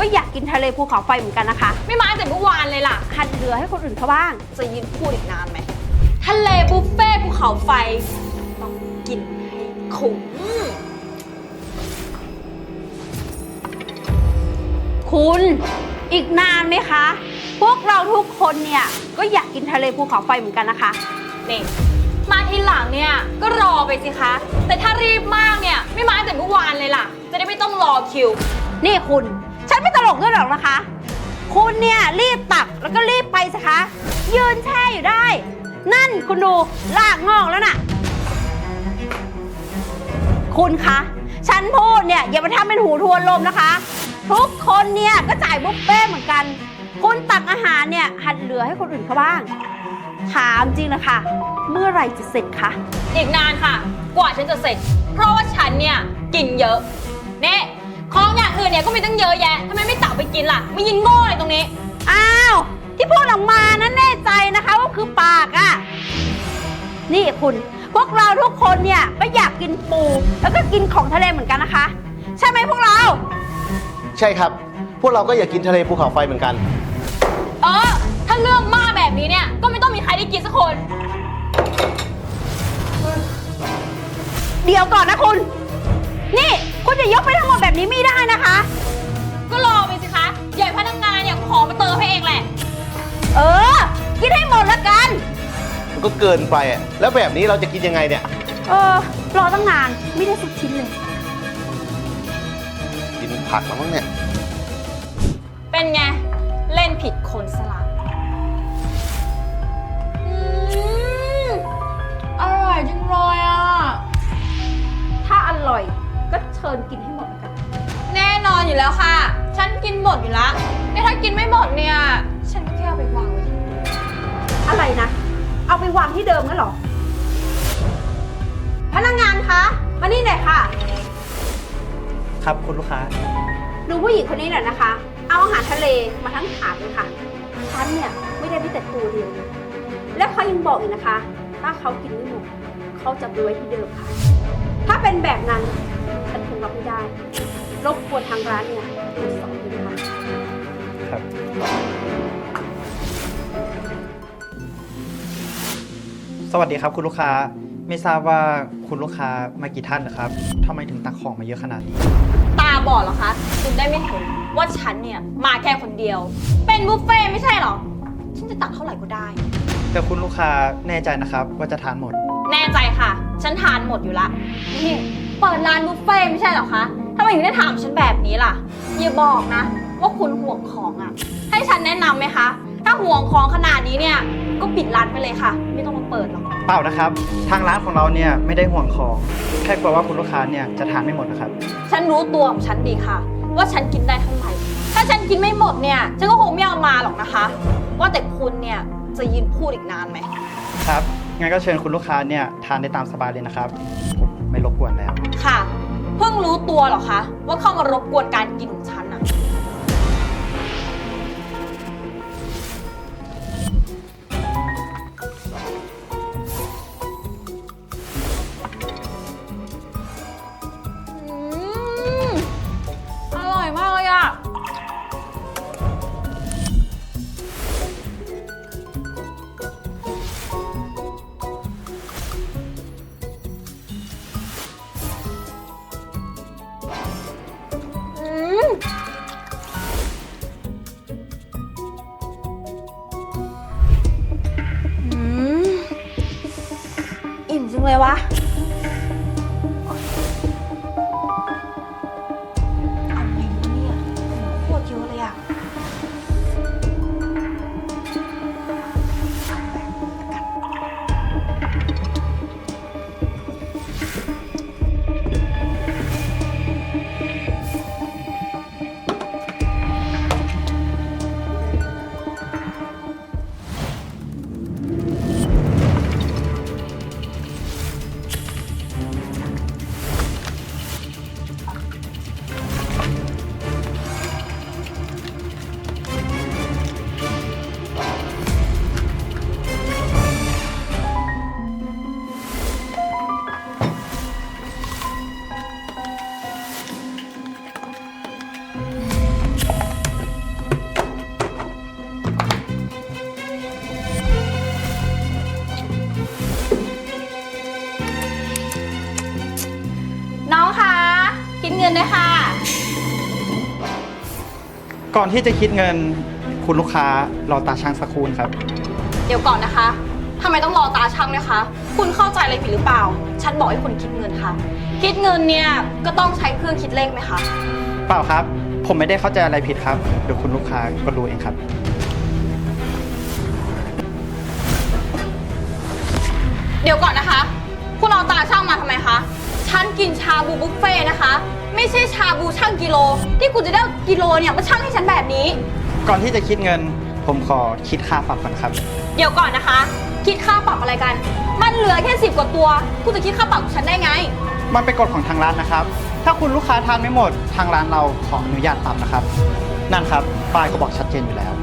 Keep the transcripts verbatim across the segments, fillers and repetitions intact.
อยากกินทะเลภูเขาไฟเหมือนกันนะคะไม่มาแต่เมื่อวานเลยล่ะหัดเหลือให้คนอื่นเขาบ้างจะยืนพูดอีกนานไหมทะเลบุฟเฟ่ภูเขาไฟต้องกินให้คุ้มคุณอีกนานไหมคะ พวกเราทุกคนเนี่ยก็อยากกินทะเลภูเขาไฟเหมือนกันนะคะนี่มาทีหลังเนี่ยก็รอไปสิคะแต่ถ้ารีบมากเนี่ยไม่มาแต่เมื่อวานเลยล่ะจะได้ไม่ต้องรอคิวนี่คุณฉันไม่ตลกด้วยหรอกนะคะคุณเนี่ยรีบตักแล้วก็รีบไปสิคะยืนแช่อยู่ได้นั่นคุณดูลากงอกแล้วน่ะคุณคะฉันพูดเนี่ยอย่ามาทำเป็นหูทวนลมนะคะทุกคนเนี่ยก็จ่ายบุฟเฟ่เหมือนกันคุณตักอาหารเนี่ยหัดเหลือให้คนอื่นเขาบ้างถามจริงนะคะเมื่อไหร่จะเสร็จคะอีกนานค่ะกว่าฉันจะเสร็จเพราะว่าฉันเนี่ยกินเยอะเนี่ยของอย่างอื่นเนี่ยก็มีตั้งเยอะแยะทำไมไม่ตักไปกินล่ะไม่ยินโง่เลยตรงนี้อ้าวที่พูดออกมานั้นแน่ใจนะคะว่าคือปากอะนี่คุณพวกเราทุกคนเนี่ยก็อยากกินปูแล้วก็กินของทะเลเหมือนกันนะคะใช่ไหมพวกเราใช่ครับพวกเราก็อยากกินทะเลภูเขาไฟเหมือนกันเออถ้าเรื่องมากแบบนี้เนี่ยก็ไม่ต้องมีใครได้กินสักคนเดี๋ยวก่อนนะคุณนี่คุณจะยกไปทั้งหมดแบบนี้ไม่ได้นะคะก็รอไปสิคะใหญ่พนักงานเนี่ยขอมาเติมให้เองแหละเออกินให้หมดละกันมันก็เกินไปอ่ะแล้วแบบนี้เราจะกินยังไงเนี่ยเออรอตั้งนานไม่ได้สักชิ้นเลยกินผักแล้วมั้งเนี่ยเป็นไงเล่นผิดคนสลับอร่อยจังเลยอ่ะถ้าอร่อยก็เชิญกินให้หมดกันแน่นอนอยู่แล้วค่ะฉันกินหมดอยู่แล้วแต่ถ้ากินไม่หมดเนี่ยฉันแค่เอาไปวางไว้ที่อะไรนะเอาไปวางที่เดิมงั้นหรอพนักงานคะมานี่หน่อยค่ะครับคุณลูกค้าดูผู้หญิงคนนี้หน่อยนะคะเอาอาหารทะเลมาทั้งถาดเลยค่ะฉันเนี่ยไม่ได้ไปแต่ตัวเดียวและเขายังบอกอีกนะคะถ้าเขากินไม่หมดเขาจะไปไว้ที่เดิมค่ะถ้าเป็นแบบนั้นฉันคงรับไม่ได้รบกวนทางร้านเนี่ยตรวจสอบด้วยนะคะครับสวัสดีครับคุณลูกค้าไม่ทราบว่าคุณลูกค้ามากี่ท่านนะครับทำไมถึงตักของมาเยอะขนาดนี้ตาบอดเหรอคะคุณได้ไม่เห็นว่าฉันเนี่ยมาแค่คนเดียวเป็นบุฟเฟ่ไม่ใช่หรอฉันจะตักเท่าไหร่ก็ได้แต่คุณลูกค้าแน่ใจนะครับว่าจะทานหมดแน่ใจค่ะฉันทานหมดอยู่ละนี่เปิดร้านบุฟเฟ่ไม่ใช่หรอคะทำไมถึงได้ถามฉันแบบนี้ล่ะอย่าบอกนะว่าคุณห่วงของอ่ะให้ฉันแนะนำไหมคะถ้าห่วงของขนาดนี้เนี่ยก็ปิดร้านไปเลยค่ะไม่ต้องมาเปิดหรอกเปล่านะครับทางร้านของเราเนี่ยไม่ได้ห่วงของแค่กลัวว่าคุณลูกค้าเนี่ยจะทานไม่หมดนะครับฉันรู้ตัวของฉันดีค่ะว่าฉันกินได้เท่าไหร่ถ้าฉันกินไม่หมดเนี่ยฉันก็คงไม่เอามาหรอกนะคะว่าแต่คุณเนี่ยจะยืนพูดอีกนานไหมครับงั้นก็เชิญคุณลูกค้าเนี่ยทานได้ตามสบายเลยนะครับผมไม่รบกวนแล้วค่ะเพิ่งรู้ตัวหรอคะว่าเข้ามารบกวนการกินของฉันอะอร่อยมากเลยอะอิ่มจังเลยวะเอาไงดีเนี่ยโคตรเยอะเลยอะก่อนที่จะคิดเงินคุณลูกค้ารอตาช่างสักครู่นะครับเดี๋ยวก่อนนะคะทำไมต้องรอตาช่างด้วยคะ คุณเข้าใจอะไรผิดหรือเปล่า ฉันบอกให้คุณคิดเงินค่ะ คิดเงินเนี่ยก็ต้องใช้เครื่องคิดเลขไหมคะเปล่าครับ ผมไม่ได้เข้าใจอะไรผิดครับ เดี๋ยวคุณลูกค้าก็รู้เองครับเดี๋ยวก่อนนะคะ คุณเอาตาช่างมาทำไมคะ ฉันกินชาบูบุฟเฟ่ต์นะคะ ไม่ใช่ชาบูช่างกิโล ที่คุณจะได้กิโลเนี่ยมาช่างให้ฉันแบบนี้ก่อนที่จะคิดเงิน ผมขอคิดค่าปรับก่อนครับเดี๋ยวก่อนนะคะ คิดค่าปรับอะไรกัน มันเหลือแค่สิบกว่าตัว คุณจะคิดค่าปรับกับฉันได้ไงมันเป็นกฎของทางร้านนะครับ ถ้าคุณลูกค้าทานไม่หมด ทางร้านเราขออนุญาตปรับนะครับ นั่นครับป้ายก็บอกชัดเจนอยู่แล้ว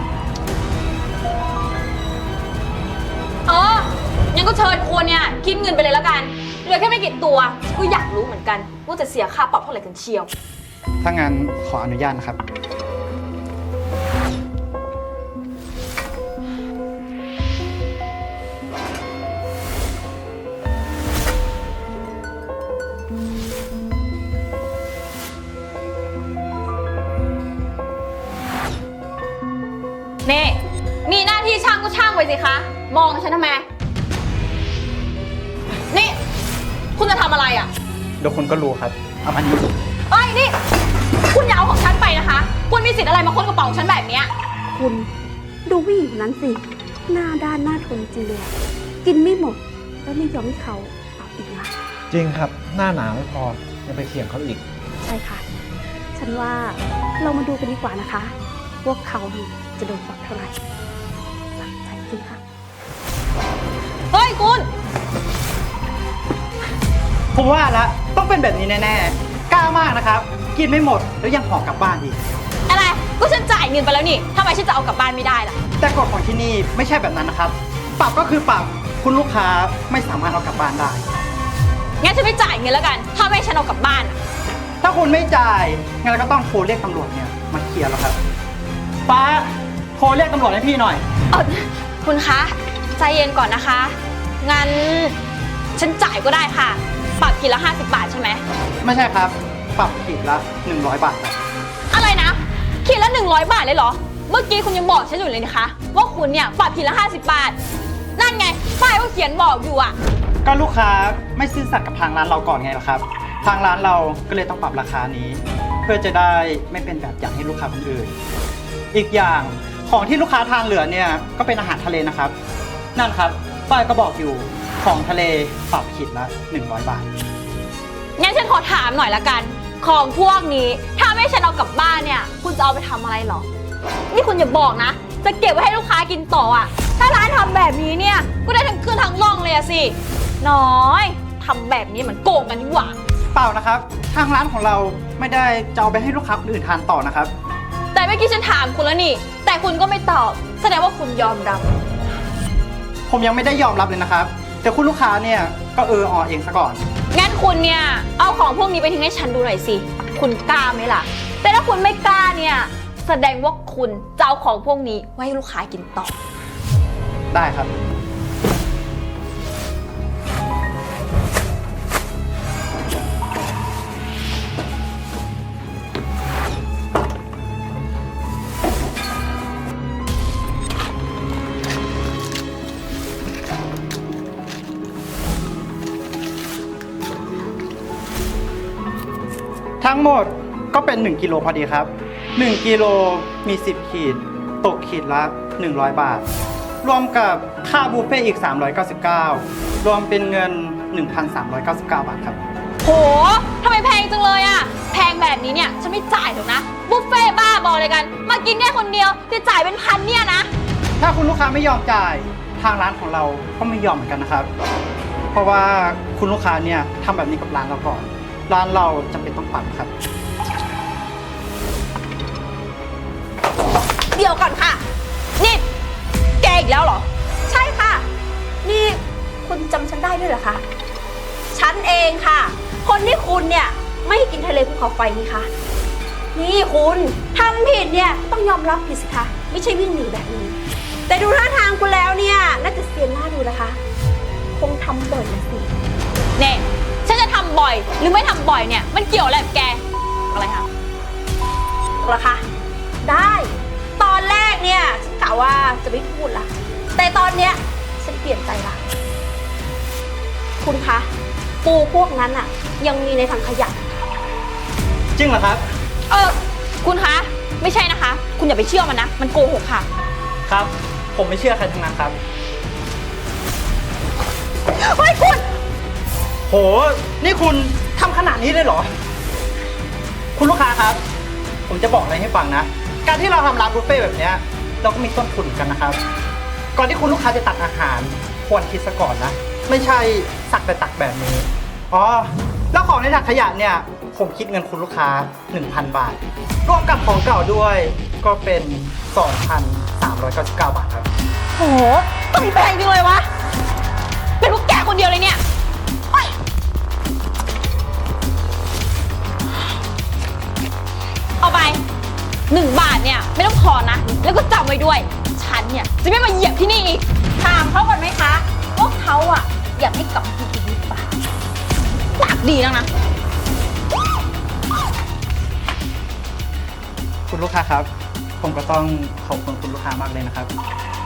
เอองั้นก็เชิญคุณเนี่ยคิดเงินไปเลยแล้วกัน เหลือแค่ไม่กี่ตัวก็อยากรู้เหมือนกันว่าจะเสียค่าปรับเท่าไหร่กันเชียวถ้างั้นขออนุญาตนะครับนี่ มีหน้าที่ช่างก็ช่างไปสิคะ มองฉันทำไม นี่ คุณจะทำอะไรอ่ะเดี๋ยวคุณก็รู้ครับเอามันนี้เอ้ยนี่ คุณอย่าเอาของฉันไปนะคะ คุณมีสิทธิ์อะไรมาค้นกระเป๋าของฉันแบบเนี้ยคุณดูผู้หญิงคนนั้นสิ หน้าด้านหน้าทนจริงเลยอะกินไม่หมด แล้วไม่ยอมให้เขาเอาอีกนะจริงครับ หน้าหนาไม่พอ ยังไปเถียงเขาอีกใช่ค่ะ ฉันว่าเรามาดูกันดีกว่านะคะว่าเขานี่จะโดนปรับเท่าไหร่สนใจจริงค่ะเฮ้ยคุณผมว่าละต้องเป็นแบบนี้แน่ๆ กล้ามากนะครับ กินไม่หมดแล้วยังห่อกลับบ้านอีกอะไร ก็ฉันจ่ายเงินไปแล้วนี่ทำไมฉันจะเอากลับบ้านไม่ได้ล่ะแต่กฎของที่นี่ไม่ใช่แบบนั้นนะครับ ปรับก็คือปรับ คุณลูกค้าไม่สามารถเอากลับบ้านได้งั้นฉันไม่จ่ายเงินแล้วกัน ถ้าไม่ให้ฉันเอากลับบ้านอะถ้าคุณไม่จ่ายงั้นเราก็ต้องโทรเรียกตำรวจเนี่ยมาเคลียร์แล้วครับป้าโทรเรียกตำรวจให้พี่หน่อยเออคุณคะ ใจเย็นก่อนนะคะ งั้นฉันจ่ายก็ได้ค่ะ ปรับกินละห้าสิบบาทใช่ไหมไม่ใช่ครับ ปรับขีดละหนึ่งร้อยบาทครับอะไรนะขีดละหนึ่งร้อยบาทเลยเหรอ เมื่อกี้คุณยังบอกฉันอยู่เลยนะคะ ว่าคุณเนี่ยปรับขีดละห้าสิบบาท นั่นไงป้ายก็เขียนบอกอยู่อะก็ลูกค้าไม่ซื่อสัตย์กับทางร้านเราก่อนไงล่ะครับ ทางร้านเราก็เลยต้องปรับราคานี้ เพื่อจะได้ไม่เป็นแบบอย่างให้ลูกค้าคนอื่น อีกอย่างของที่ลูกค้าทานเหลือเนี่ยก็เป็นอาหารทะเลนะครับ นั่นครับป้ายก็บอกอยู่ของทะเลปรับขีดละหนึ่งร้อยบาทงั้นฉันขอถามหน่อยละกัน ของพวกนี้ถ้าไม่ให้ฉันเอากลับบ้านเนี่ย คุณจะเอาไปทำอะไรเหรอ นี่คุณอย่าบอกนะ จะเก็บไว้ให้ลูกค้ากินต่ออะถ้าร้านทำแบบนี้เนี่ย ก็ได้ทั้งคืนทั้งร่องเลยอะสิ น้อยทำแบบนี้เหมือนโกงกันนี่หว่าเปล่านะครับ ทางร้านของเราไม่ได้จะเอาไปให้ลูกค้าคนอื่นทานต่อนะครับแต่เมื่อกี้ฉันถามคุณแล้วนี่ แต่คุณก็ไม่ตอบ แสดงว่าคุณยอมรับผมยังไม่ได้ยอมรับเลยนะครับ แต่คุณลูกค้าเนี่ยก็เอออเองซะก่อนงั้นคุณเนี่ยเอาของพวกนี้ไปทิ้งให้ฉันดูหน่อยสิ คุณกล้าไหมล่ะ แต่ถ้าคุณไม่กล้าเนี่ย แสดงว่าคุณจะเอาของพวกนี้ไว้ให้ลูกค้ากินต่อได้ครับ ทั้งหมดก็เป็นหนึ่งกิโลพอดีครับหนึ่งกิโลมีสิบขีด ตกขีดละหนึ่งร้อยบาท รวมกับค่าบุฟเฟ่ต์อีกสามร้อยเก้าสิบเก้ารวมเป็นเงิน หนึ่งพันสามร้อยเก้าสิบเก้า บาทครับโหทำไมแพงจังเลยอะแพงแบบนี้เนี่ยฉันไม่จ่ายหรอกนะ บุฟเฟ่บ้าบอเลยกัน มากินแค่คนเดียวจะจ่ายเป็นพันเนี่ยนะถ้าคุณลูกค้าไม่ยอมจ่ายทางร้านของเราก็ไม่ยอมเหมือนกันนะครับ เพราะว่าคุณลูกค้าเนี่ยทำแบบนี้กับร้านเราก่อน ร้านเราจำเป็นต้องปรับครับเดี๋ยวก่อนค่ะ นี่แกอีกแล้วเหรอใช่ค่ะ นี่คุณจำฉันได้ด้วยเหรอคะ ฉันเองค่ะ คนที่คุณเนี่ยไม่ให้กินทะเลภูเขาไฟนี่คะนี่คุณทำผิดเนี่ยต้องยอมรับผิดสิคะ ไม่ใช่วิ่งหนีแบบนี้ แต่ดูท่าทางคุณแล้วเนี่ยน่าจะเสียหน้าดูนะคะ คงทำบ่อยนะสิเนี่ยฉันจะทำบ่อยหรือไม่ทำบ่อยเนี่ย มันเกี่ยวอะไรกับแก อะไรคะเหรอคะได้ ตอนแรกเนี่ยฉันกะว่าจะไม่พูดละแต่ตอนเนี้ยฉันเปลี่ยนใจละคุณคะ ปูพวกนั้นอะยังมีในถังขยะจริงเหรอครับเออ คุณคะ ไม่ใช่นะคะ คุณอย่าไปเชื่อมันนะ มันโกหกค่ะครับ ผมไม่เชื่อใครทั้งนั้นครับเฮ้ยคุณโห นี่คุณทำขนาดนี้เลยเหรอ คุณลูกค้าครับ ผมจะบอกอะไรให้ฟังนะ การที่เราทำร้านบุฟเฟ่ต์แบบเนี้ยเราก็มีต้นทุนกันนะครับ ก่อนที่คุณลูกค้าจะตักอาหาร ควรคิดซะก่อนนะ ไม่ใช่สักแต่ตักแบบนี้ อ๋อ แล้วของในถังขยะเนี่ย ผมคิดเงินคุณลูกค้า หนึ่งพัน บาท รวมกับของเก่าด้วย ก็เป็น สองพันสามร้อยเก้าสิบเก้า บาทครับโหต้องแพงจริงเลยวะ เป็นพวกแกคนเดียวเลยเนี่ยโอ๊ยเอาไปหนึ่งบาทเนี่ยไม่ต้องพอนะ แล้วก็จำไว้ด้วย ฉันเนี่ยจะไม่มาเหยียบที่นี่อีกถามเขาก่อนไหมคะว่าเขาอะอยากให้กลับมาที่นี่หรือเปล่าปากดีแล้วนะคุณลูกค้าครับ ผมก็ต้องขอบคุณคุณลูกค้ามากเลยนะครับ